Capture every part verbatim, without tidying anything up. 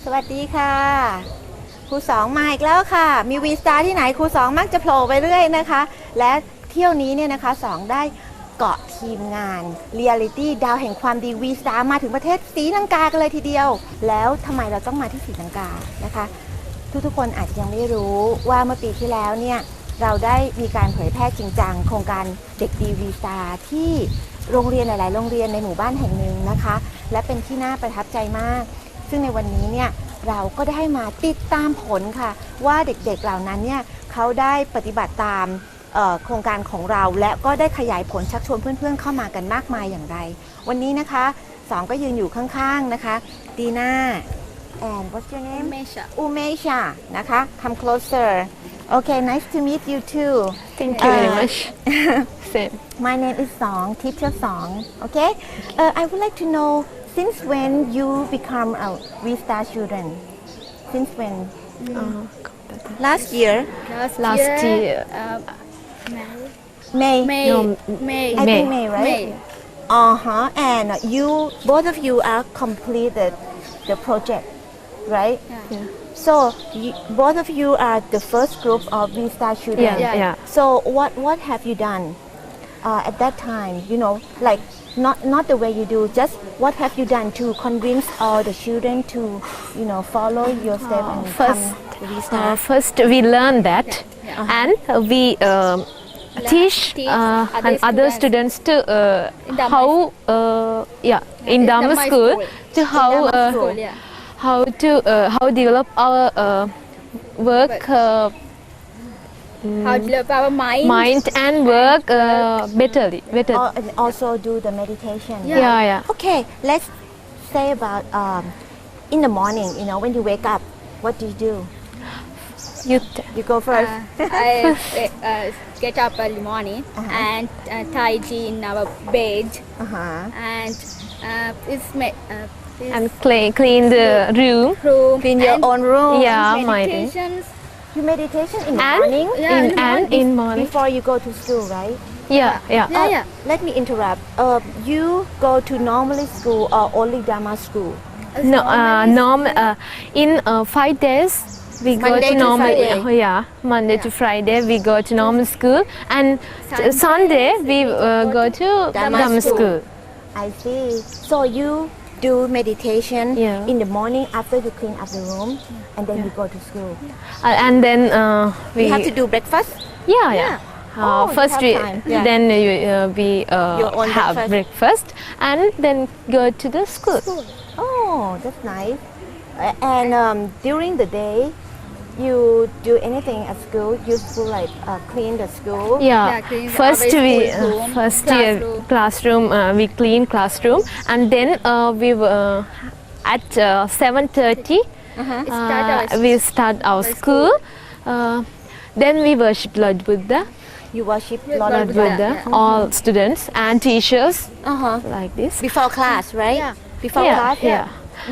สวัสดีค่ะครูสองมาอีกแล้วค่ะมีวีสตาร์ที่ไหนครูสองมักจะโผล่ไปเรื่อยนะคะและเที่ยวนี้เนี่ยนะคะสองได้เกาะทีมงานเรียลิตี้ดาวแห่งความดีวีสตาร์มาถึงประเทศศรีลังกากันเลยทีเดียวแล้วทำไมเราต้องมาที่ศรีลังกานะคะทุกๆคนอาจจะยังไม่รู้ว่าเมื่อปีที่แล้วเนี่ยเราได้มีการเผยแพร่จริงจังโครงการเด็กดีวีสตาร์ที่โรงเรียนหลายๆโรงเรียนในหมู่บ้านแห่งหนึ่งนะคะและเป็นที่น่าประทับใจมากซึ่งในวันนี้เนี่ยเราก็ได้มาติดตามผลค่ะว่าเด็กๆเหล่านั้นเนี่ยเขาได้ปฏิบัติตามโครงการของเราและก็ได้ขยายผลชักชวนเพื่อนๆเข้ามากันมากมายอย่างไรวันนี้นะคะสองก็ยืนอยู่ข้างๆนะคะดีน่า and what's your name Umesha Umesha นะคะ come closer okay nice to meet you too thank you very much same my name is Song teacher Song okay uh, I would like to know since when you become a V-Star student since when uh, last year last, last year, year uh, May May No, May I May. think May right May. uh-huh and you both of you are completed the project right Yeah. yeah so you, both of you are the first group of V-Star students yeah yeah so what what have you done uh, at that time you know like not not the way you do just what have you done to convince all the children to you know follow your step and first come to uh, V-Star first we learn that Yeah. and uh, we um, teach teach uh, other and other students. students to uh, In Dhamma how uh, yeah in in Dhamma Dhamma school school. to how Dhamma uh, school. School, yeah. how to uh, how develop our uh, work uh, How to develop our mind. mind and work uh, betterly better Al- and also do the meditation Yeah. yeah yeah okay let's say about um, in the morning you know when you wake up what do you do you you go first Uh, I uh, get up early morning Uh-huh. and uh, tidy in our bed uh-huh and uh, it's ma- uh, this and clean clean the room room clean your and own room Yeah, my day. meditations. you meditation in the and morning Yeah, in in the and morning. in morning before you go to school right yeah yeah Yeah, Uh, yeah. let me interrupt uh, you go to normally school or only Dharma school It's No, uh, normally- norm uh, in uh, five days we go Monday to to normal. Friday. uh, yeah, Monday to Friday we go to normal school, and Sunday Sunday, Sunday we uh, go to Dhamma Dhamma school. school. I see so you do meditation Yeah. in the morning after you clean up the room and then you go to school Uh, and then uh, we you have to do breakfast yeah yeah. Yeah. Uh, Oh, you first have we time. Yeah. then you, uh, we uh, Your own have breakfast. breakfast and then go to the school. oh that's nice Uh, and um, during the day you do anything at school useful like uh, clean the school Yeah, Yeah, clean the- first our we school uh, room, first year classroom. classroom uh, we clean classroom and then uh, we uh, at uh, seven thirty It start our uh, we start our school. Uh, then we worship Lord Buddha, you worship Yeah, Lord Lord Buddha Buddha, yeah. all students and teachers uh-huh like this. before class right Yeah. before yeah, class yeah.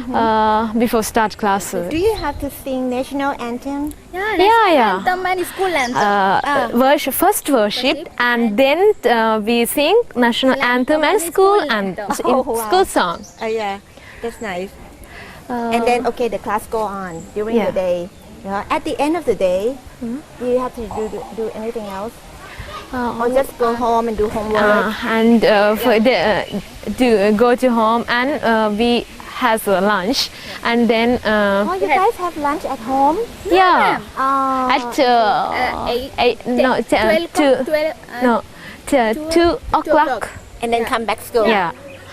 Uh, before start classes. do you have to sing national anthem Yeah, Yeah, national yeah. anthem and school anthem. Uh, worship, first worship and then uh, we sing national anthem and school anthem, in Oh, wow. school song. oh yeah that's nice Uh, and then okay the class go on during Yeah. the day yeah. at the end of the day do you have to do, do, do anything else uh, or just go home and do homework Uh, and uh, for the, uh, to uh, go to home and uh, we has a lunch and then uh, oh you guys have lunch at home yeah oh at uh, Uh, eight, eight no t- uh, twelve, two twelve, uh, no t- two o'clock o'clock. and then come back school yeah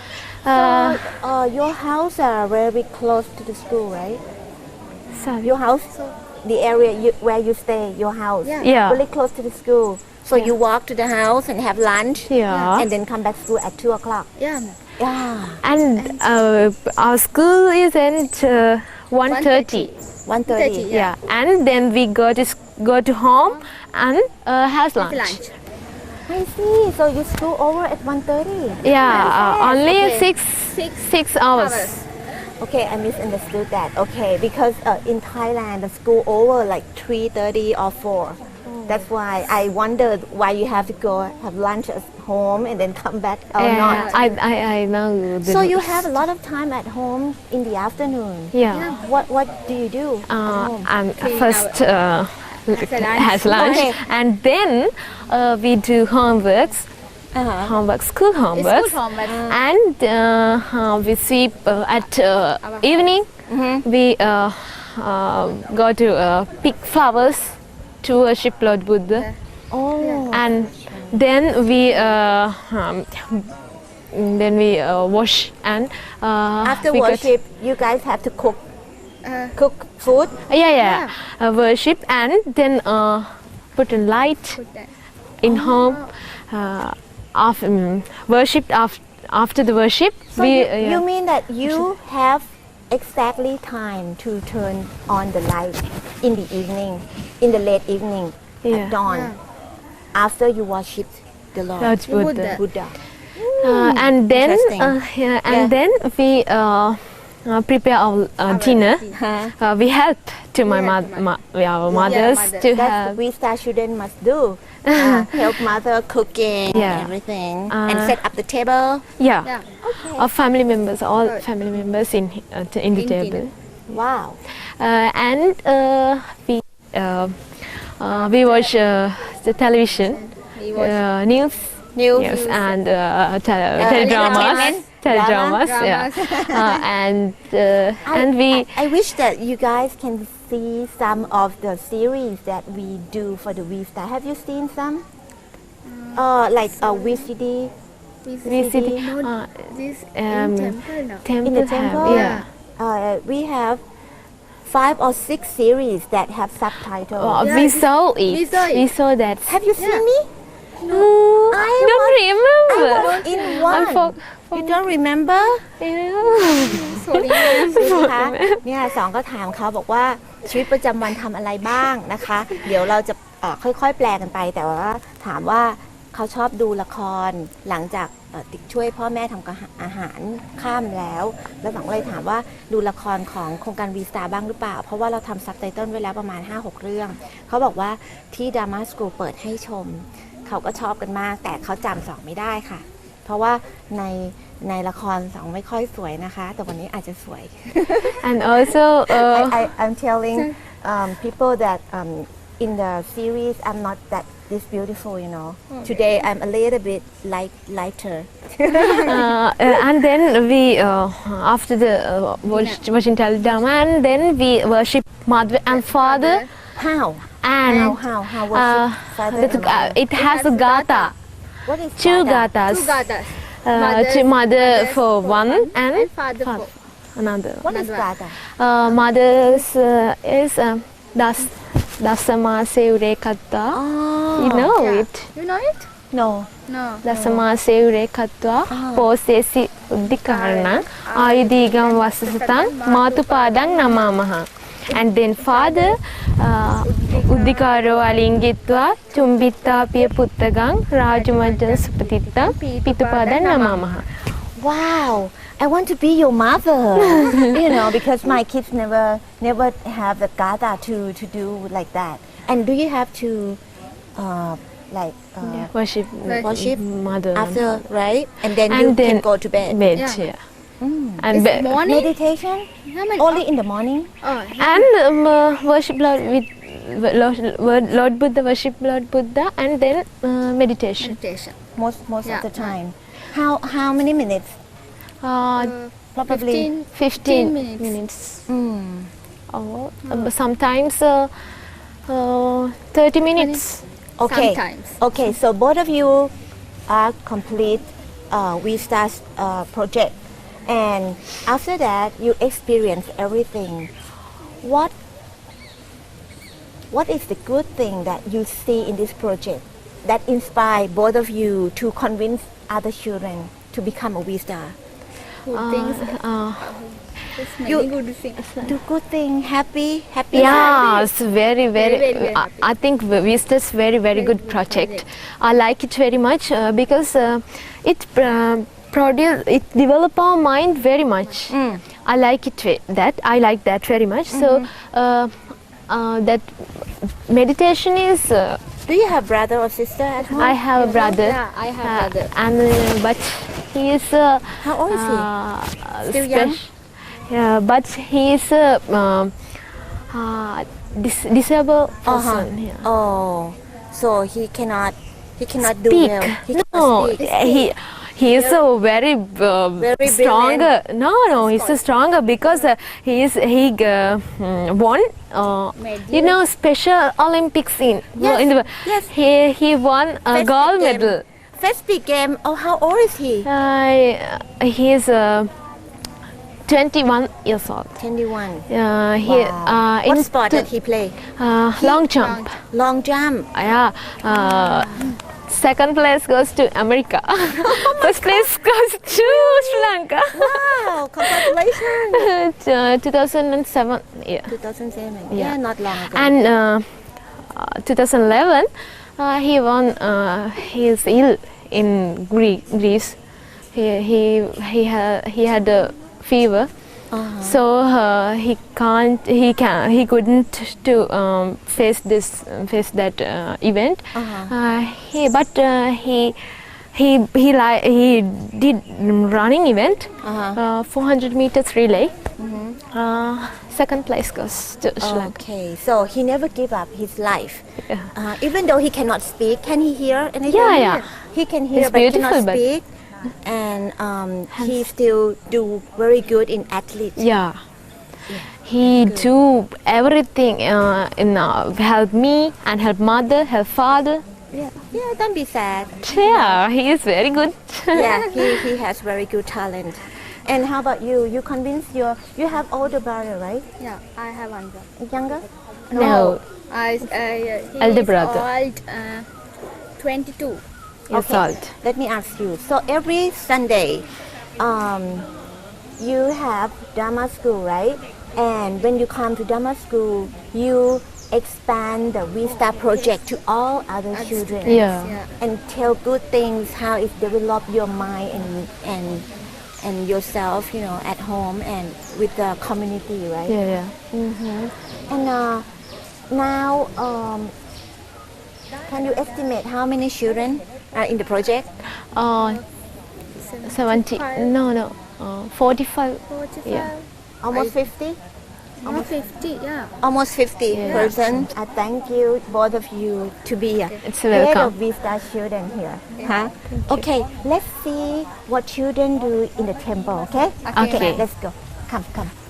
so uh, uh, your house are very close to the school right sorry. your house the area you, where you stay your house Yeah. Yeah. really close to the school so you walk to the house and have lunch Yeah. and then come back school at two o'clock Yeah. yeah And uh, our school is at uh, one thirty. one thirty thirty, Yeah. And then we go to s- go to home and uh, has lunch. Lunch. I see so you school over at one thirty Yeah, uh, only Okay. six Six six hours. hours. okay I misunderstood that okay because uh, in Thailand the school over like three thirty or four That's why I wondered why you have to go have lunch at home and then come back or Yeah, not. I, I, I know. the So you rules. have a lot of time at home in the afternoon. Yeah. What what do you do at Uh, home? I'm Clean first uh, a lunch. has lunch, Okay. and then uh, we do homeworks, Uh-huh. homework, school It's homeworks, good home, but and uh, uh, we sleep uh, at uh, evening. We uh, uh, go to uh, pick flowers to worship Lord Buddha, Oh. and then we uh, um, then we uh, wash and uh, After we get- worship, you guys have to cook uh, cook food. yeah, yeah, Uh, worship and then uh, put a light put that. in home. Uh, after um, worship after after the worship, So we you, uh, yeah. you mean that you have exactly time to turn on the light in the evening, in the late evening, Yeah. at dawn, after you worship the Lord, Lord Buddha. Buddha. Buddha. Uh, and then Interesting. uh, yeah, and Yeah. then we uh, uh, prepare our uh, dinner. Huh? Uh, we help to my Yeah, mother, to ma- our mothers mother. to That's help. what we star student must do. Uh, help mother cooking Yeah. and everything, and Uh, set up the table. Yeah, Yeah. our family members, all Good. family members in uh, t- in the In table, Wow. uh, and uh, we uh, uh, we watch uh, the television, We watch uh, news, News. Yes, and uh, tele- teledramas, entertainment, teledramas, drama. yeah, Dramas. uh, and uh, and we I wish that you guys can see some of the series that we do for the V Star. Have you seen some? Uh, like a V C D. We we see the, Not uh, this um, in temple, no. temple, In the have- temple? yeah. Uh, we have five or six series that have subtitles. Oh, Yeah, we we- saw it. we saw it. We saw that. Have you seen Yeah. me? No, I don't was- remember. I was in one. I for- You don't remember? Yeah. Sorry. นะคะเนี่ยสองก็ถามเขาบอกว่าชีวิตประจำวันทำอะไรบ้างนะคะ เดี๋ยวเราจะเอ่อค่อยๆ แปลกันไป แต่ว่าถามว่าเขาชอบดูละครหลังจากเอ่อติดช่วยพ่อแม่ทำกับอาหารข้ามแล้ว แล้วสองก็เลยถามว่าดูละครของโครงการวีสตาร์บ้างหรือเปล่า เพราะว่าเราทำซับไตเติลไว้แล้วประมาณ ห้าหก เรื่อง เขาบอกว่าที่ดราม่าสกูลเปิดให้ชม เขาก็ชอบกันมาก แต่เขาจำสองไม่ได้ค่ะ เพราะว่าในในละครสองไม่ค่อยสวยนะคะ แต่วันนี้อาจจะสวย And also, uh, I, I, I'm telling um, people that um, in the series I'm not that this beautiful, you know. Today I'm a little bit light, lighter. uh, uh, and then we uh, after the uh, watch, watching teledrama, and then we worship mother and father, How? and How? How? How was uh, it? Father the- and uh, mother? it has a gata, What is two Gata? gatas, Two gatas. uh, Mothers- to mother mothers for for one one and and father father for- another. What is Another. Gata? Uh, mother's uh, is um, das dasama seure katta. Oh, You know Yeah. it. You know it? no. No. දසමා සෙවුරේ කත්වා පෝසේසි උද්ධිකරණං ආයුධීගම් වස්සසතං මාතුපාඩං නමාමහා. And then father uh, උද්ධිකාරෝ අලිංගිත්වා චුම්බිත්තාපිය පුත්තගං රාජමජ්ජන සුපතිත්තං පිතුපාඩං නමාමහා. Wow. I want to be your mother. You know, because my kids never never have the Gata to to do like that. And do you have to uh, like uh, Worship, worship mother after, right? And then And you then can go to bed. bed, Yeah. yeah. Mm. And It's be- morning. Meditation How many? only in the morning. Oh, and um, uh, worship Lord with Lord, Lord Buddha, worship Lord Buddha, and then uh, meditation. meditation. Most most Yeah, of the yeah. time. How how many minutes? Uh, Uh, Probably. fifteen, fifteen minutes. minutes. Mm. Or uh, sometimes uh, uh, thirty minutes. Okay. Sometimes. Okay. So both of you are complete uh, We Start uh, project, and after that you experience everything. What What is the good thing that you see in this project that inspire both of you to convince other children to become a V Star? Good things. Uh, It's many You- good things. Do good thing, happy, happy. yeah, it's very, very. very, very I, I think Vista's very, very good good project. project. I like it very much uh, because uh, it uh, produce, it develop our mind very much. Mm. I like it ve- that I like that very much. So uh, uh, that meditation is uh, Do you have brother or sister at home? I have a brother. Yeah, I have uh, brother. and uh, but he is uh, How old is he? uh, Still young? spec- Yeah, but he is a um, uh, dis- disabled person. Uh-huh. Yeah. Oh, so he cannot he cannot do Speak. well. He No, cannot speak. he he is a very, uh, Very stronger. No, no, he's a stronger because uh, he is he uh, mm, won. Uh, Medal. you know, Special Olympics in Yes, in the yes. he he won a First gold big game. medal. First big game. Oh, how old is he? Uh, he is uh, twenty-one years old. twenty-one. Uh, he Wow. uh, What in sport two- did he play? uh, long jump. Long jump. Yeah. Uh, second place goes to America. First place goes to Sri Lanka. Wow, congratulations. uh, two thousand seven. Yeah. two thousand seven. Yeah. Yeah, not long ago. And uh, uh, two thousand eleven, uh, he won. Uh, he is ill in Gre- Greece. He he he had he had a fever. Uh-huh. So uh, he can't, he can, he couldn't to um, face this, face that uh, event. Uh-huh. Uh, he, but uh, he, he, he like he did running event, Uh-huh. uh, four hundred meters relay. Mhm. Uh, second place goes to Sri Lanka. Okay, so he never give up his life. Yeah. Uh, even though he cannot speak, can he hear anything? Yeah, yeah. He can hear It's but beautiful, cannot but- speak. And um, he still do very good in athletics. Yeah. He do everything uh, in uh, help me and help mother, help father. Yeah, yeah, don't be sad. Yeah, he is very good. Yeah, he, he has very good talent. And how about you? You convince your, you have older brother, right? Yeah, I have one brother. Younger? No, I, I, he Elder is brother. old, uh, twenty-two. years old. Let me ask you. So every Sunday, um, you have drama school, right? And when you come to drama school, you expand the Vista project to all other Other children. students, Yeah. yeah. And tell good things, how it develop your mind and and and yourself, you know, at home and with the community, right? Yeah, yeah. hmm And uh, now, um, can you estimate how many children are in the project? Uh, seventy. No, no. Uh, forty-five. forty-five. Yeah. Almost fifty? Almost fifty, yeah. Almost fifty Yeah. person. I thank you, both of you, to be a It's head welcome. of Vista children here. Huh? Okay, let's see what children do in the temple, okay? Okay. Let's go. Come, come.